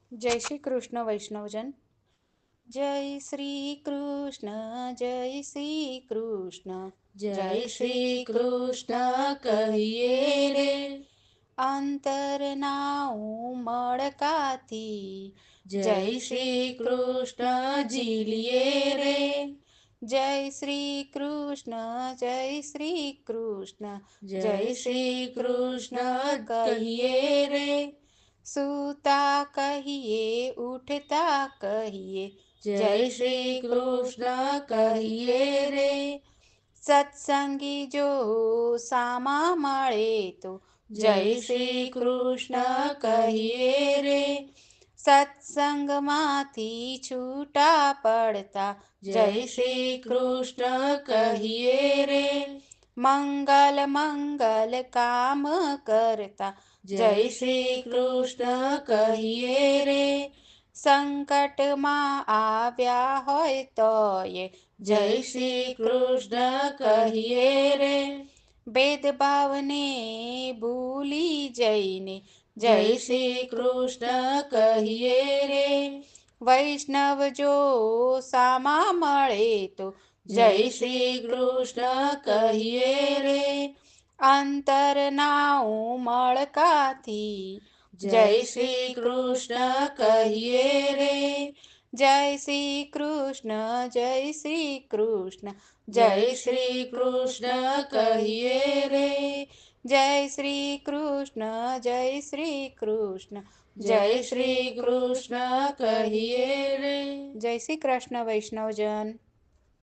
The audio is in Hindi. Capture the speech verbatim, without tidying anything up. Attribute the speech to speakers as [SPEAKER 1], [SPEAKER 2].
[SPEAKER 1] जय श्री कृष्ण वैष्णवजन। जय श्री कृष्ण, जय श्री कृष्ण,
[SPEAKER 2] जय श्री कृष्ण कहिए रे।
[SPEAKER 1] अंतर नाऊ मड़काती।
[SPEAKER 2] जय श्री कृष्ण जिलिए रे।
[SPEAKER 1] जय श्री कृष्ण, जय श्री कृष्ण,
[SPEAKER 2] जय श्री कृष्ण कहिए रे।
[SPEAKER 1] सूता कहिए, उठता कहिए,
[SPEAKER 2] जय श्री कृष्ण कहिए रे।
[SPEAKER 1] सत्संगी जो सामा મળે तो
[SPEAKER 2] जय श्री कृष्ण कहिए रे।
[SPEAKER 1] सत्संगમાંથી છૂટા પડતા
[SPEAKER 2] जय श्री कृष्ण कहिए रे।
[SPEAKER 1] मंगल मंगल काम करता
[SPEAKER 2] जय श्री कृष्ण कहिए रे।
[SPEAKER 1] संकटમાં આવ્યા હોય તોય
[SPEAKER 2] जय श्री कृष्ण कहिए रे।
[SPEAKER 1] भेदभावने भूली जैने जय
[SPEAKER 2] जय श्री कृष्ण कहिए रे।
[SPEAKER 1] वैष्णव जो सामा મળે तो
[SPEAKER 2] जय श्री कृष्ण कहिए रे।
[SPEAKER 1] अंतर नाऊ मड़काथी
[SPEAKER 2] जय श्री कृष्ण कहिए रे।
[SPEAKER 1] जय श्री कृष्ण, जय श्री कृष्ण,
[SPEAKER 2] जय श्री कृष्ण कहिए रे।
[SPEAKER 1] जय श्री कृष्ण, जय श्री कृष्ण,
[SPEAKER 2] जय श्री कृष्ण कहिए रे।
[SPEAKER 1] जय श्री कृष्ण वैष्णवजन।